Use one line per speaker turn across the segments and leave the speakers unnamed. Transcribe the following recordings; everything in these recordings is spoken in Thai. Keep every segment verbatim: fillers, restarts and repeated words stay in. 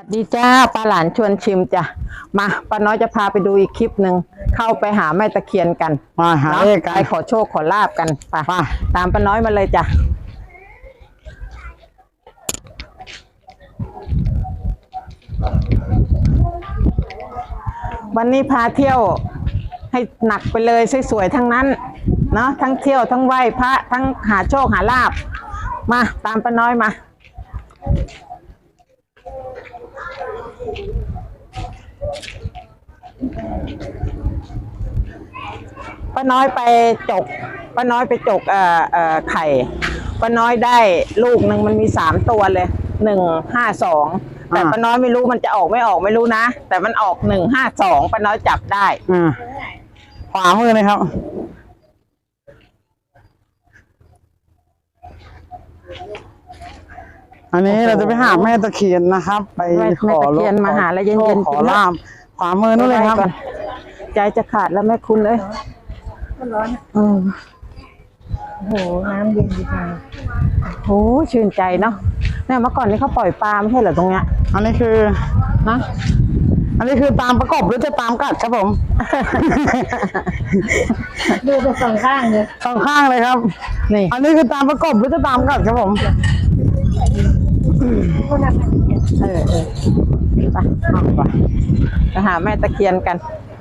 ดีจ้าป้าหลานชวนชิมจ้ะมาป้าน้อยจะพาไปดูอีกคลิปหนึ่งเข้าไปหาแม่ตะเคียนกัน
มาหาเลขกัน
ไปขอโชคขอลาบกันไปตามป้าน้อยมาเลยจ้ะวันนี้พาเที่ยวให้หนักไปเลยสวยๆทั้งนั้นเนาะทั้งเที่ยวทั้งไหว้พระทั้งหาโชคหาลาบมาตามป้าน้อยมาป้าน้อยไปจกป้าน้อยไปจกเอ่อเอ่อไข่ป้าน้อยได้ลูกหนึ่งมันมีสามตัวเลยหนึ่งห้าสองแต่ป้าน้อยไม่รู้มันจะออกไม่ออกไม่รู้นะแต่มันออกหนึ่งห้าสองป้าน้อยจับได้
อ่าขวามือเลยครับอันนี้เราจะไปหาแม่ตะเคียนนะครับไปขอ
เคียนมาหาแล้วเย็นๆ
ขอลาบขวามือนู่นเลยครับ
ใจจะขาดแล้วแม่คุณเลยร้อนโอ้โหน้ำเย็นดีจังโอ้ชื่นใจเนาะเนี่ยเมื่อก่อนนี้เขาปล่อยปลาไม่ใช่เหรอตรงเนี้ย
อันนี้คือ
นะ
อันนี้คือตามประกบหรือจะตามกัดครับผม
ดูไปสองข้างเลย
สองข้างเลยครับนี่อันนี้คือตามประกบหรือจะตามกัดครับผม
เออเออไปไปไปหาแม่ตะเคียนกัน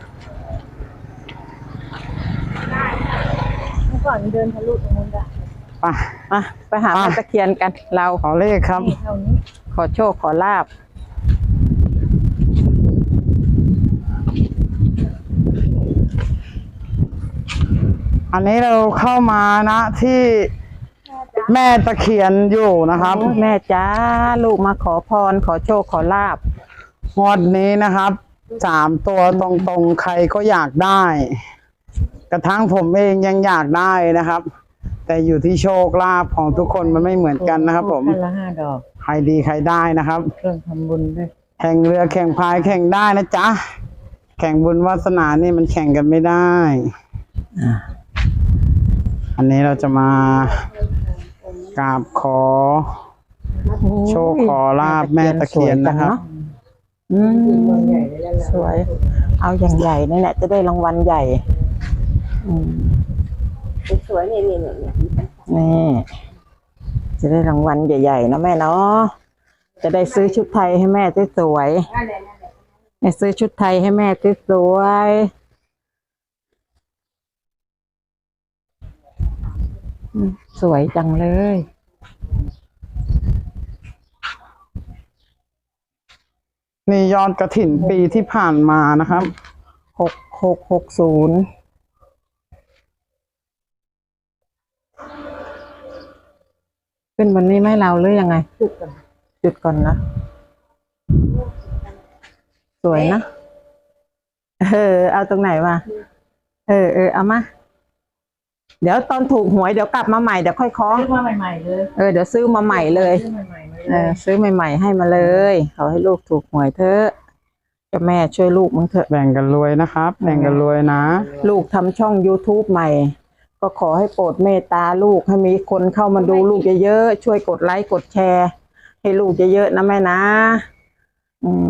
เมื่อก่อนเดินทะลุตรงนู้นได้
ไป
มาไปหาแม่ตะเคียนกันเรา
ขอเลขครับ
ขอโชคขอลาบ
อันนี้เราเข้ามานะที่แม่ตะเคียนอยู่นะครับ
แม่จ้าลูกมาขอพรขอโชคขอลาบ
งวดนี้นะครับสามตัวตรงๆใครก็อยากได้กระทั่งผมเองยังอยากได้นะครับแต่อยู่ที่โชคลาภของทุกคนมันไม่เหมือนกันนะครับผม
ละห้าดอก
ใครดีใครได้นะครับ
เครื่องทำบุญด้วย
แข่งเรือแข่งพายแข่งได้นะจ๊ะแข่งบุญวาสนานี่มันแข่งกันไม่ได้อันนี้เราจะมากราบขอโชคขอลาบแม่ตะเคียนนะครับ
อืมสวยเอาอย่างใหญ่นี่แหละจะได้รางวัลใหญ่อืมสวยนี่นี่นี่นี่จะได้รางวัลใหญ่ๆนะแม่เนาะจะได้ซื้อชุดไทยให้แม่สวยๆซื้อชุดไทยให้แม่สวยสวยจังเลย
นี่ยอดกฐินปีที่ผ่านมานะครับ
หกหกหกศูนย์ขึ้นบนนี้ไหมเราหรือยังไงจุดก่อนจุดก่อนนะสวยนะเออเอาตรงไหนมาเออเออเอามาเดี๋ยวตอนถูกหวยเดี๋ยวกลับมาใหม่เดี๋ยวค่อยคล้อง
ซื้อมาใหม่ๆเลย
เออเดี๋ยวซื้อมาใหม่เลยเออซื้อใหม่ๆให้มาเลยขอให้ลูกถูกหวยเถอะจะแม่ช่วยลูกมึงเถอะ
แบ่งกันรวยนะครับแบ่งกันรวยนะ
ลูกทำช่อง ยูทูบ ใหม่ก็ขอให้โปรดเมตตาลูกให้มีคนเข้ามาดูลูกเยอะๆช่วยกดไลค์กดแชร์ให้ลูกเยอะๆนะแม่นะอืม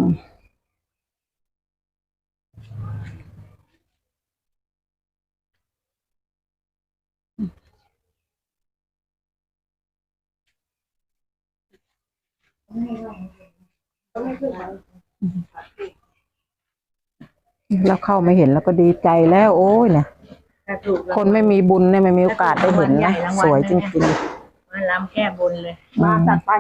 แล้วเข้าไม่เห็นแล้วก็ดีใจแล้วโอ้ยเนี่ยคนไม่มีบุญเนี่ยไม่มีโอกาสได้เห็นนะสวยจริง
ๆมาล้ำแก้บนเลยมาจัดไป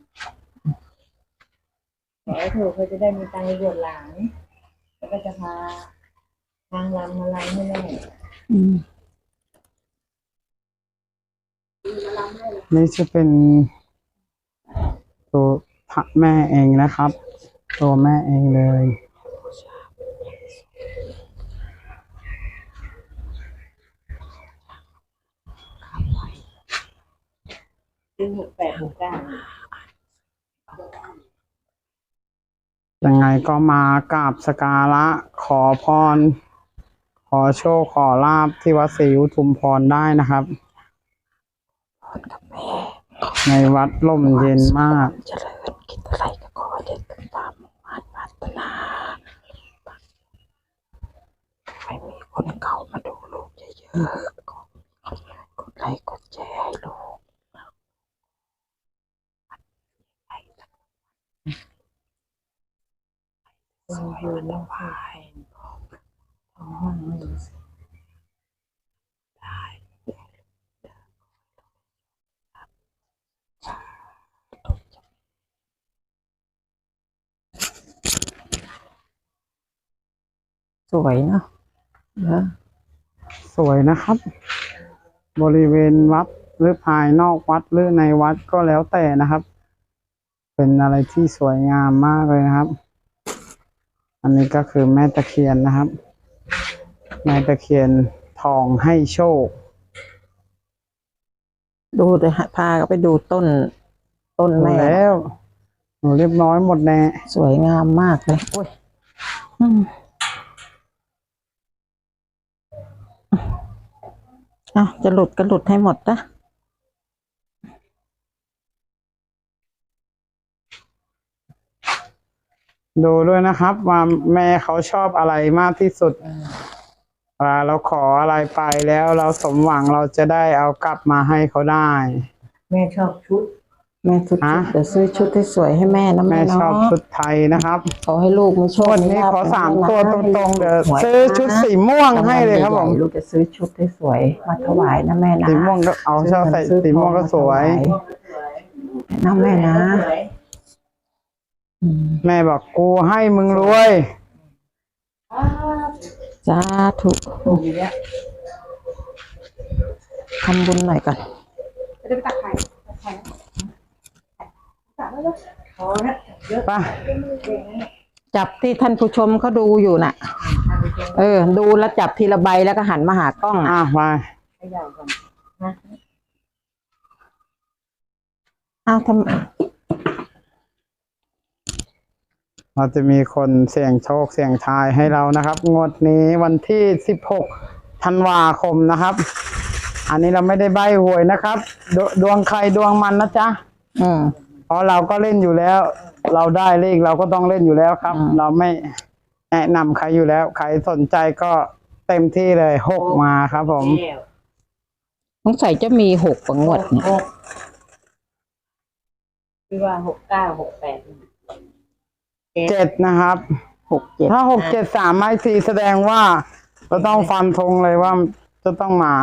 ขอให้ถูกเขาจะได้มีตังค์บวชหลานแล้วก็จะพาทางลำมาล้ำให้แม่
นี่จะเป็นตัวแม่เองนะครับตัวแม่เองเลย
หกแปดหกเก้า
ยังไงก็มากราบสักการะขอพรขอโชคขอลาภที่วัดศรีอุทุมพรได้นะครับในวัดร่มเย็นมาก
เจริญคิดอะไรก็ขอเด็ดตามคนเก่ามาดูลูกเยอะๆกดกดไลค์กดแชร์ให้ลูกสวยวันละวายสวยเนาะเนอะ
สวยนะครับ บริเวณวัดหรือภายนอกวัดหรือในวัดก็แล้วแต่นะครับ เป็นอะไรที่สวยงามมากเลยนะครับ อันนี้ก็คือแม่ตะเคียนนะครับ แม่ตะเคียนทองให้โชค
ดูเลยฮะพาก็ไปดูต้น ต้น
ดู
แม่
แล้ว หนูเรียบร้อยหมดแน่
สวยงามมากเลยโอ้ยอืมอ่ะจะหลุดก็หลุดให้หมดนะ
ดูด้วยนะครับ ว่าแม่เขาชอบอะไรมากที่สุดเวลาเราขออะไรไปแล้วเราสมหวังเราจะได้เอากลับมาให้เขาได้
แม่ชอบชุด
แม่ชุด
ฮะ
เดี๋ยวซื้อชุดให้สวยให้แม่นะ
แม่
แม่
ชอบ
เนาะ
ชุดไทยนะครับ
ขอให้ลูกมีโชค
วันนี้
ลาภ
ขอสาม
นะ
ตัวต
ให้
รงๆเดี๋ยว
หวย
ซื้อชุดสีม่วงให้เลยครับผม
ใหญ่ๆลูกจะซื้อชุดให้สวยมาถวายนะแม่นะ
สีม่วงก็เอาชอบใส่สีม่วงก็สวย
นะแม่นะอืม
แม่บอกกูให้มึงรวย
สาธุ
อยู่เนี้ย
ทำบุญหน่อยก่อน
จะได้ไปตักไข่ตักไข่ตักแล้วพอนะเยอะ
ไป
จับที่ท่านผู้ชมเขาดูอยู่น่ะ เออ ดูแล้วจับทีละใบแล้วก็หันมาหากล้อง
อ่ะ
อ่ะ
ไป
ให้ใหญ่ก่อนนะ
อ้าวทำ
เราจะมีคนเสี่ยงโชคเสี่ยงทายให้เรานะครับ งวดนี้วันที่สิบหกธันวาคมนะครับ อันนี้เราไม่ได้ใบหวยนะครับดวดวงใครดวงมันนะจ๊ะ
อืม
เพราะเราก็เล่นอยู่แล้ว เราได้เลขเราก็ต้องเล่นอยู่แล้วครับ
อืม
เราไม่แนะนำใครอยู่แล้ว ใครสนใจก็เต็มที่เลยหกมาครับผม
แก้ว
สงสัยจะมีหกประงวดเนี่ย
หกคือว่าหกเก้าหกแปด
เจ็ดนะครับ
หกเจ็ด
ถ้าหกเจ็ดสามไม้สี่แสดงว่าเราต้องฟันธงเลยว่าจะต้องมา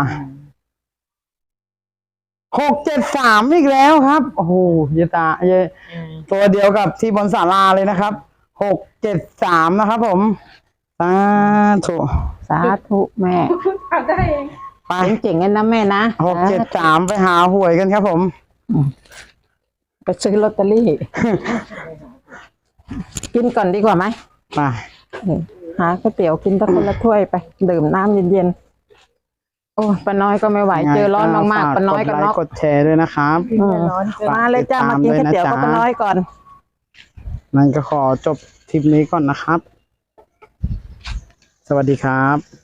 หกเจ็ดสามอีกแล้วครับโอ้โหเยตาเยตัวเดียวกับที่บนศาลาเลยนะครับหกเจ็ดสามนะครับผมสาธุ
สาธุแม่
ทำได้เอง
ไป
เจ๋งๆกันนะแม่นะ
หกเจ็ดสามไปหาหวยกันครับผม
ไปซื้อลอตเตอรี่ กินก่อนดีกว่าไหม
ไป
เออหาก๋วยเตี๋ยวกินตะคนละถ้วยไป ดื่มน้ำเย็นๆ โอ้ป้าน้อยก็ไม่ไหว เจอร้อนมากๆป้าน้อยก็
กดไล
น็อก
ค์กดแชร์ด้วยนะครับ
อืม
ร้อนเกิน
มาเลยจ้ามากินก๋วยเตี๋ยวกับป้าน้อยก่อน
นั่นก็ขอจบทริปนี้ก่อนนะครับ สวัสดีครับ